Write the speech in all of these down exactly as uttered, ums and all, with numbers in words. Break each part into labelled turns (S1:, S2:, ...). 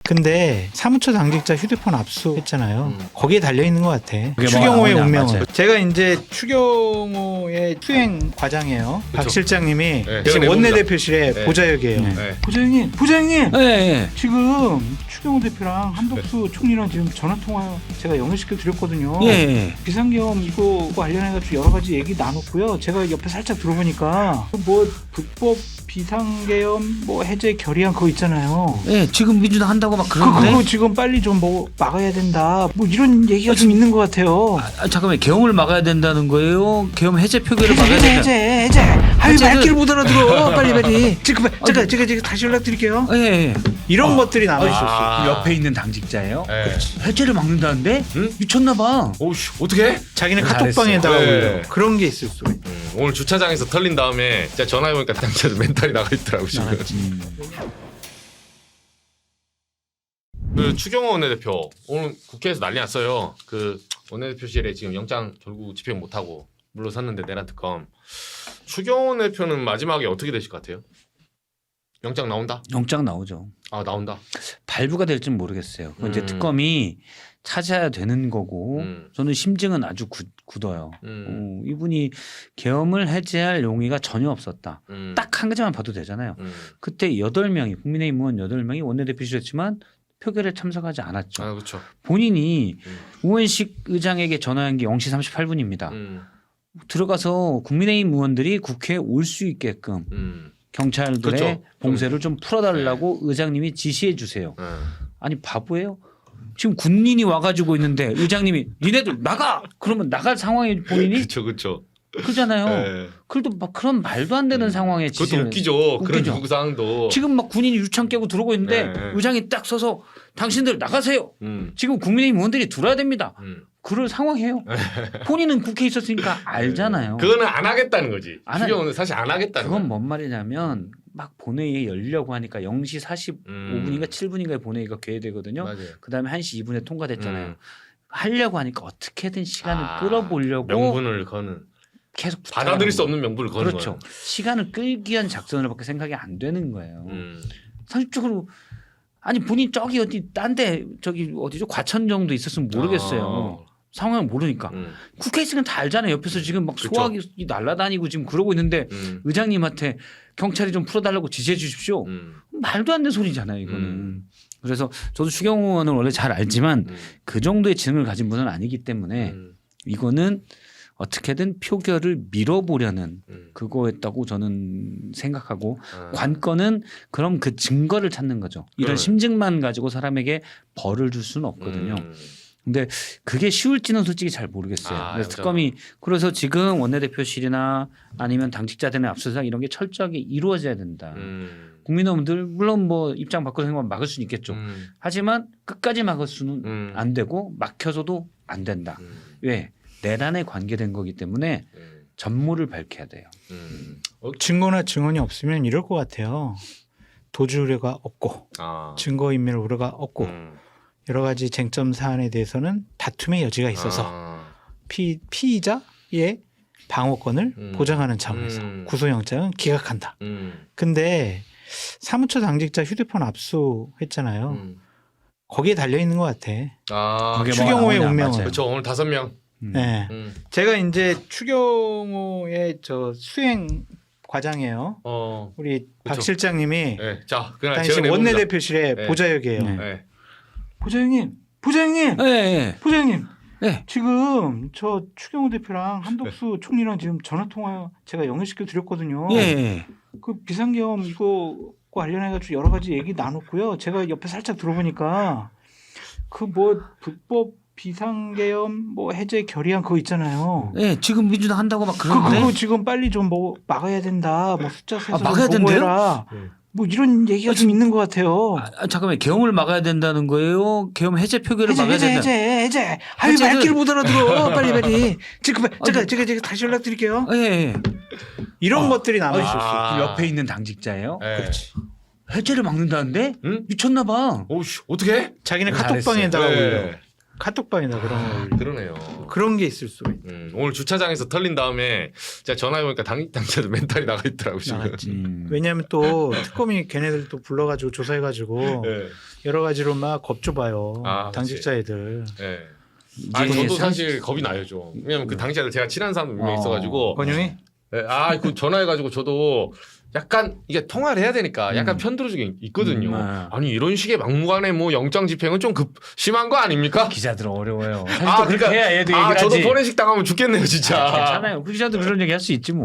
S1: 근데 사무처 당직자 휴대폰 압수했잖아요.
S2: 음.
S1: 거기에 달려 있는 것 같아.
S3: 그게
S1: 추경호의
S3: 뭐,
S1: 운명은.
S3: 맞아요.
S1: 제가 이제 추경호의 수행 과장이에요.
S2: 그쵸.
S1: 박 실장님이
S2: 네,
S1: 지금
S2: 내봅니다.
S1: 원내대표실에
S2: 네.
S1: 보좌역이에요.
S3: 네.
S2: 네.
S1: 부장님, 부장님.
S3: 네.
S1: 지금 추경호 대표랑 한덕수 총리랑 지금 전화 통화 제가 연결시켜 드렸거든요.
S3: 예.
S1: 비상계엄 이거 관련해가지고 여러 가지 얘기 나눴고요. 제가 옆에 살짝 들어보니까 뭐 불법 비상계엄 뭐 해제 결의안 그거 있잖아요.
S3: 예, 지금 민주당 한다고 막
S1: 그,
S3: 그러는데.
S1: 그거 지금 빨리 좀 뭐 막아야 된다. 뭐 이런 얘기가 좀 있는 것 같아요.
S3: 아, 잠깐만, 계엄을 막아야 된다는 거예요? 계엄 해제 표결을
S1: 해제,
S3: 막아야
S1: 해제,
S3: 된다.
S1: 해제, 해제. 아유,
S3: 해제는-
S1: 말귀를 못 알아들어. 빨리, 빨리. 지금, 제가, 제가, 제가 다시 연락드릴게요.
S3: 예, 예.
S1: 이런
S3: 아.
S1: 것들이 남아있었어요.
S2: 아.
S3: 옆에 있는 당직자예요?
S2: 네.
S3: 해제를 막는다는데?
S2: 응?
S3: 미쳤나 봐.
S2: 오씨 어떻게?
S1: 자기는
S3: 잘했어요.
S1: 카톡방에다가
S2: 네.
S1: 올려. 그런 게 있을 수가 있어요.
S2: 음, 오늘 주차장에서 털린 다음에 제가 전화해보니까 당차도 멘탈이 나가 있더라고 지금.
S3: 음.
S2: 그 추경호 원내대표 오늘 국회에서 난리 났어요. 그 원내대표실에 지금 영장 결국 집행 못하고 물러섰는데 내란 특검. 추경호 원내대표는 마지막에 어떻게 되실 것 같아요? 영장 나온다?
S3: 영장 나오죠.
S2: 아 나온다.
S3: 발부가 될지는 모르겠어요. 그건 이제
S2: 음.
S3: 특검이 찾아야 되는 거고
S2: 음.
S3: 저는 심증은 아주 굳, 굳어요.
S2: 음.
S3: 어, 이분이 계엄을 해제할 용의가 전혀 없었다.
S2: 음.
S3: 딱 한 가지만 봐도 되잖아요.
S2: 음.
S3: 그때 여덟 명이 국민의힘 의원 여덟 명이 원내대표실이었지만 표결에 참석하지 않았죠.
S2: 아 그렇죠.
S3: 본인이
S2: 음.
S3: 우원식 의장에게 전화한 게 영 시 삼십팔 분입니다.
S2: 음.
S3: 들어가서 국민의힘 의원들이 국회에 올 수 있게끔
S2: 음.
S3: 경찰들의
S2: 그렇죠.
S3: 봉쇄를 좀 풀어달라고 의장님이 지시해 주세요.
S2: 네.
S3: 아니 바보예요? 지금 군인이 와가지고 있는데 의장님이 니네들 나가! 그러면 나갈 상황에 본인이
S2: 그렇죠, 그렇죠.
S3: 그러잖아요.
S2: 네.
S3: 그래도 막 그런 말도 안 되는
S2: 음.
S3: 상황에
S2: 그것도
S3: 지시를
S2: 웃기죠. 그런
S3: 웃기죠.
S2: 요구 사항도.
S3: 지금 막 군인이 유창 깨고 들어오고 있는데
S2: 네, 네.
S3: 의장이 딱 서서 당신들 나가세요.
S2: 음.
S3: 지금 국민의힘 의원들이 들어야 됩니다.
S2: 음.
S3: 그럴 상황이에요. 본인은 국회에 있었으니까 알잖아요.
S2: 그거는 안 하겠다는 거지.
S3: 안 하-
S2: 추경호는 사실 안 하겠다는
S3: 그건
S2: 거야.
S3: 뭔 말이냐면 막 본회의에 열려고 하니까 영 시 사십오 분인가
S2: 음.
S3: 칠 분인가에 본회의가 개회되거든요.
S2: 맞아요.
S3: 그다음에 한 시 이 분에 통과됐잖아요.
S2: 음.
S3: 하려고 하니까 어떻게든 시간을
S2: 아,
S3: 끌어보려고
S2: 명분을 거는
S3: 계속
S2: 받아들일 수
S3: 부탁하는
S2: 없는 명분을 거는
S3: 그렇죠.
S2: 거야.
S3: 시간을 끌기 위한 작전을밖에 생각이 안 되는 거예요.
S2: 음.
S3: 상식적으로 아니 본인 저기 어디 딴 데 저기 어디죠 과천 정도 있었으면 모르겠어요.
S2: 어.
S3: 상황을 모르니까
S2: 음.
S3: 국회 있으면 다 알잖아요. 옆에서 지금 막
S2: 그쵸.
S3: 소화기 날아다니고 지금 그러고 있는데
S2: 음.
S3: 의장님한테 경찰이 좀 풀어달라고 지시해 주십시오.
S2: 음.
S3: 말도 안 되는 소리잖아요. 이거는.
S2: 음.
S3: 그래서 저도 추경호 의원을 원래 잘 알지만
S2: 음.
S3: 그 정도의 지능을 가진 분은 아니기 때문에
S2: 음.
S3: 이거는 어떻게든 표결을 밀어보려는
S2: 음.
S3: 그거였다고 저는 생각하고
S2: 아.
S3: 관건은 그럼 그 증거를 찾는 거죠. 이런
S2: 그러네.
S3: 심증만 가지고 사람에게 벌을 줄 수는 없거든요.
S2: 음.
S3: 근데 그게 쉬울지는 솔직히 잘 모르겠어요.
S2: 아,
S3: 그래서
S2: 여자가.
S3: 특검이 그래서 지금 원내대표실이나 아니면 당직자들의 압수수색 이런 게 철저하게 이루어져야 된다.
S2: 음.
S3: 국민의원들 물론 뭐 입장 바꿔서 생각하면 막을 수는 있겠죠.
S2: 음.
S3: 하지만 끝까지 막을 수는
S2: 음.
S3: 안 되고 막혀서도 안 된다.
S2: 음.
S3: 왜? 내란에 관계된 거기 때문에
S2: 음.
S3: 전모를 밝혀야 돼요.
S2: 음. 어,
S1: 증거나 증언이 없으면 이럴 것 같아요. 도주 우려가 없고
S2: 아.
S1: 증거인멸 우려가 없고
S2: 음.
S1: 여러 가지 쟁점 사안에 대해서는 다툼의 여지가 있어서
S2: 아.
S1: 피, 피의자의 방어권을
S2: 음.
S1: 보장하는 차원에서
S2: 음.
S1: 구속영장은 기각한다.
S2: 음.
S1: 근데 사무처 당직자 휴대폰 압수했잖아요.
S2: 음.
S1: 거기에 달려 있는 것 같아.
S2: 아.
S3: 그게 뭐
S1: 추경호의
S3: 나오냐,
S1: 운명은.
S3: 맞아요.
S2: 그렇죠. 오늘 다섯 명.
S3: 음.
S1: 네.
S2: 음.
S1: 제가 이제 추경호의 저 수행 과장이에요.
S2: 어.
S1: 우리 박
S2: 그쵸.
S1: 실장님이
S2: 네. 자, 그날
S1: 당시
S2: 제가
S1: 원내대표실에
S2: 네.
S1: 보좌역이에요.
S3: 네.
S2: 네.
S1: 보좌역님, 보좌역님,
S3: 예, 예.
S1: 보좌역님.
S3: 네.
S1: 지금 저 추경호 대표랑 한덕수 총리랑 지금 전화 통화 제가 연결시켜 드렸거든요.
S3: 예, 예.
S1: 그 비상계엄 이거 관련해가지고 여러 가지 얘기 나눴고요. 제가 옆에 살짝 들어보니까 그 뭐 불법 비상계엄 뭐 해제 결의안 그거 있잖아요.
S3: 예, 지금 민주당 한다고 막
S1: 그,
S3: 그러는데
S1: 그거 지금 빨리 좀 뭐 막아야 된다. 뭐 숫자 세서
S3: 아,
S1: 좀
S3: 막아야
S1: 보고해라.
S2: 된대요?
S1: 뭐 이런 얘기가 좀 있는 것 같아요.
S3: 아, 아, 잠깐만 계엄을 막아야 된다는 거예요? 계엄 해제 표결을
S1: 해제
S3: 막아야
S1: 해제
S3: 된다.
S1: 해제 해제. 아유
S3: 해제를-
S1: 말귀를 못 알아들어. 빨리 빨리. 지금 제가
S3: 아니,
S1: 제가 제가 다시 연락드릴게요.
S3: 예, 예.
S1: 이런
S3: 아,
S1: 것들이 남아 있었어.
S2: 아.
S3: 그 옆에 있는 당직자예요?
S2: 네.
S1: 그렇지.
S3: 해제를 막는다는데?
S2: 응?
S3: 미쳤나 봐.
S2: 오씨, 어떻게?
S1: 자기는
S3: 잘했어요.
S1: 카톡방에다가 올려.
S2: 네.
S1: 카톡방이나 그런 거
S2: 그러네요.
S1: 그런 게 있을 수가 있다.
S2: 음, 오늘 주차장에서 털린 다음에 제가 전화해 보니까 당 당자도 멘탈이 나가 있더라고 지금.
S1: 나갔지.
S3: 음.
S1: 왜냐하면 또 특검이 걔네들 또 불러가지고 조사해가지고
S2: 네.
S1: 여러 가지로 막 겁줘봐요.
S2: 아,
S1: 당직자 애들.
S2: 네.
S3: 이제
S2: 아 저도
S3: 상-
S2: 사실 겁이 나요 좀. 왜냐면 그 당시에 제가 친한 사람도 몇 명
S3: 어.
S2: 있어가지고.
S1: 권영이?
S2: 네, 아그 전화해가지고 저도 약간 이게 통화를 해야 되니까 약간
S3: 음.
S2: 편들어주게 있거든요.
S3: 음, 아.
S2: 아니 이런 식의 막무가내 뭐 영장 집행은 좀 급 심한 거 아닙니까?
S3: 기자들 어려워요. 사실
S2: 아,
S3: 또 그렇게
S2: 그러니까-
S3: 해야 얘도
S2: 아
S3: 얘기를
S2: 저도
S3: 하지.
S2: 포렌식 당하면 죽겠네요 진짜.
S3: 아, 괜찮아요. 그 기자도 그런 얘기 할 수 있지 뭐.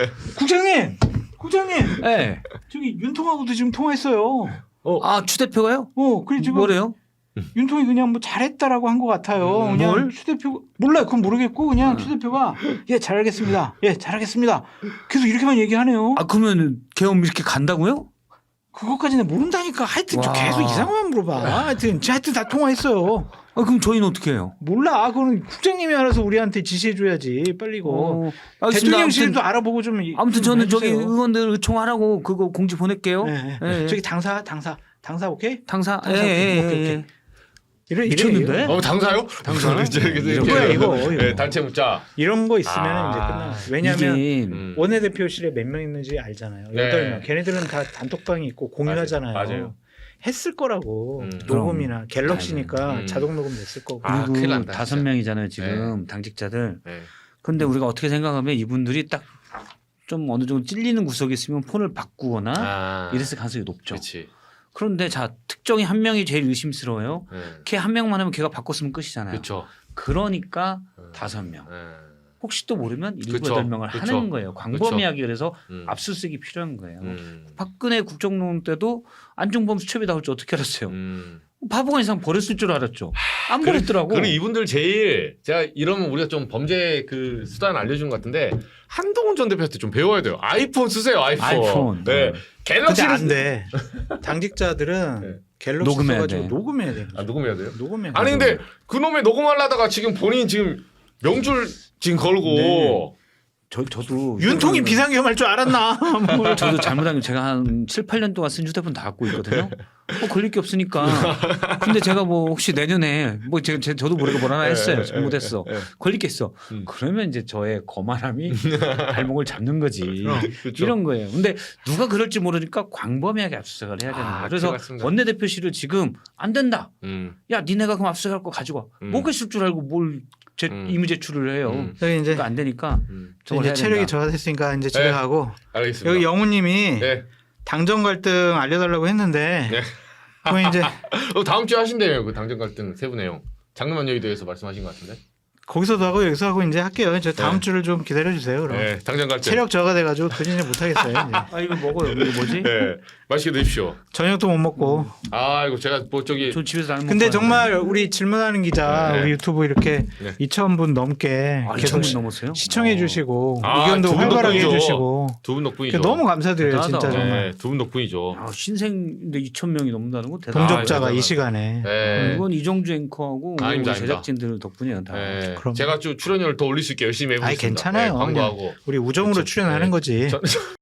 S1: 국장님, 국장님,
S3: 네.
S1: 저기 윤통하고도 지금 통화했어요.
S3: 아, 추 대표가요?
S1: 어, 그래 지금
S3: 뭐래요?
S1: 윤통이 그냥 뭐 잘했다라고 한 것 같아요.
S2: 음,
S1: 그냥
S3: 뭘?
S1: 추 대표 몰라요. 그건 모르겠고 그냥 추 대표가 예 잘하겠습니다. 예 잘하겠습니다. 계속 이렇게만 얘기하네요.
S3: 아, 그러면 계엄 이렇게 간다고요?
S1: 그것까지는 모른다니까. 하여튼 좀
S3: 와.
S1: 계속 이상한 것만 물어봐. 하여튼 하여튼 다 통화했어요.
S3: 아, 그럼 저희는 어떻게 해요?
S1: 몰라. 그거는 국장님이 알아서 우리한테 지시해줘야지. 빨리 이거.
S3: 어, 알겠습니다.
S1: 대통령실도
S3: 아무튼,
S1: 알아보고 좀.
S3: 아무튼
S1: 좀
S3: 저는 저기
S1: 해주세요.
S3: 의원들 의총하라고 그거 공지 보낼게요.
S1: 네,
S3: 예,
S1: 네.
S3: 예.
S1: 저기 당사 당사 당사 오케이?
S3: 당사.
S1: 당사,
S3: 예, 예,
S1: 오케이, 오케이,
S3: 예,
S1: 오케이. 이래 이래
S3: 미쳤는데?
S1: 이래.
S2: 어 당사요?
S1: 당사?
S2: 이렇게
S1: 이런 거야, 이거, 이거.
S2: 네, 단체 묻자.
S1: 이런 거 있으면
S2: 아,
S1: 이제 끝나. 왜냐하면
S3: 이게
S2: 음.
S1: 원내대표실에 몇 명 있는지 알잖아요.
S2: 네.
S1: 여덟 명. 걔네들은 다 단톡방이 있고 공유하잖아요.
S2: 맞아요. 맞아요.
S1: 했을 거라고.
S2: 음.
S1: 녹음이나 갤럭시니까
S2: 음.
S1: 자동 녹음 됐을 거고.
S2: 아, 큰일
S3: 그리고
S2: 난다,
S3: 다섯
S2: 진짜.
S3: 명이잖아요 지금 당직자들.
S2: 네.
S3: 근데 우리가 어떻게 생각하면 이분들이 딱 좀 어느 정도 찔리는 구석이 있으면 폰을 바꾸거나
S2: 아,
S3: 이랬을 가능성이 높죠.
S2: 그렇지.
S3: 그런데 자 특정히 한 명이 제일 의심스러워요.
S2: 네.
S3: 걔 한 명만 하면 걔가 바꿨으면 끝이잖아요.
S2: 그렇죠.
S3: 그러니까
S2: 음.
S3: 다섯 명.
S2: 네.
S3: 혹시 또 모르면 일곱
S2: 그쵸.
S3: 여덟 명을
S2: 그쵸.
S3: 하는 거예요. 광범위하게 그래서
S2: 음.
S3: 압수수색이 필요한 거예요.
S2: 음.
S3: 박근혜 국정농 때도 안종범 수첩이 나올 줄 어떻게 알았어요?
S2: 음.
S3: 바보가 이상 버렸을 줄 알았죠. 안
S2: 그래-
S3: 버렸더라고.
S2: 그럼 이분들 제일 제가 이러면 우리가 좀 범죄 그 수단 알려주는 것 같은데 한동훈 전 대표한테 좀 배워야 돼요. 아이폰 쓰세요. 아이폰.
S3: 아이폰.
S2: 네.
S1: 근데
S2: 갤럭시를
S1: 안 돼. 당직자들은
S2: 네.
S1: 갤럭시
S3: 녹음해야
S1: 써가지고
S3: 돼.
S1: 녹음해야 돼.
S2: 아 녹음해야 돼요?
S1: 녹음해야
S2: 아니
S1: 돼.
S2: 근데 그놈의 녹음하려다가 지금 본인 지금 명줄 지금 걸고
S3: 네. 저 저도
S1: 윤통이 비상계엄 할 줄 알았나? 뭘.
S3: 저도 잘못한 게 제가 한 칠, 팔 년 동안 쓴 휴대폰 다 갖고 있거든요. 뭐 걸릴 게 없으니까. 근데 제가 뭐 혹시 내년에 뭐 제가 제- 저도 모르게 뭘 하나 했어요. 잘못했어.
S2: 네.
S3: 걸리겠어.
S2: 음.
S3: 그러면 이제 저의 거만함이 발목을 잡는 거지.
S2: 그렇죠.
S3: 이런 거예요. 근데 누가 그럴지 모르니까 광범위하게 압수수색을 해야 되는
S2: 아,
S3: 거예요. 그래서
S2: 맞습니다.
S3: 원내대표실을 지금 안 된다.
S2: 음.
S3: 야, 니네가 그럼 압수수색할 거 가지고 와.
S2: 음.
S3: 못 계실 줄 알고 뭘 제,
S2: 음.
S3: 임의 제출을 해요.
S2: 음.
S1: 저기 이제
S3: 그러니까 안 되니까
S2: 음.
S3: 저걸
S1: 이제
S3: 해야
S1: 체력이
S3: 된다.
S1: 저하됐으니까 이제 집에
S2: 네.
S1: 가고
S2: 알겠습니다.
S1: 여기 영우님이
S2: 네.
S1: 당정 갈등 알려달라고 했는데
S2: 네.
S1: 그거 이제
S2: 어, 다음 주에 하신대요. 그 당정 갈등 세부 내용. 장르만 여의도에서 말씀하신 것 같은데.
S1: 거기서도 하고 여기서 하고 이제 할게요. 저 다음
S2: 네.
S1: 주를 좀 기다려 주세요. 그럼
S2: 네. 당정 갈등.
S1: 체력 저하 돼가지고 도저히 이제 못 하겠어요. 이제.
S3: 아 이거 먹어요. 이거 뭐지?
S2: 네. 맛있게 드십시오.
S1: 저녁도 못 먹고.
S2: 아 이거 제가 뭐 저기
S3: 저 집에서 안 먹고.
S1: 근데
S3: 왔는데.
S1: 정말 우리 질문하는 기자
S2: 네.
S1: 우리 유튜브 이렇게
S2: 네.
S1: 이천 분 넘게
S3: 아,
S1: 계속
S3: 이천
S1: 시-
S3: 분 넘었어요?
S1: 시청해
S3: 어.
S1: 주시고
S2: 아,
S1: 의견도
S2: 두 분
S1: 활발하게
S2: 덕분이죠.
S1: 해주시고
S2: 두 분 덕분이죠.
S1: 너무 감사드려요
S3: 대단하다.
S1: 진짜 정말
S2: 네, 두 분 덕분이죠.
S3: 아, 신생인데 이천 명이 넘는다는 거 대단하다.
S1: 동접자가
S2: 아,
S1: 이 시간에
S2: 네.
S3: 이건 이정주 앵커하고 우리
S2: 아닙니다, 아닙니다.
S3: 제작진들 덕분이에요. 다.
S2: 네.
S1: 그럼.
S2: 제가 좀 출연료를 더 올릴 수 있게 열심히 해보겠습니다.
S1: 아이, 괜찮아요.
S2: 네, 광고하고.
S1: 우리 우정으로
S2: 그렇죠.
S1: 출연하는
S2: 네.
S1: 거지.
S2: 저-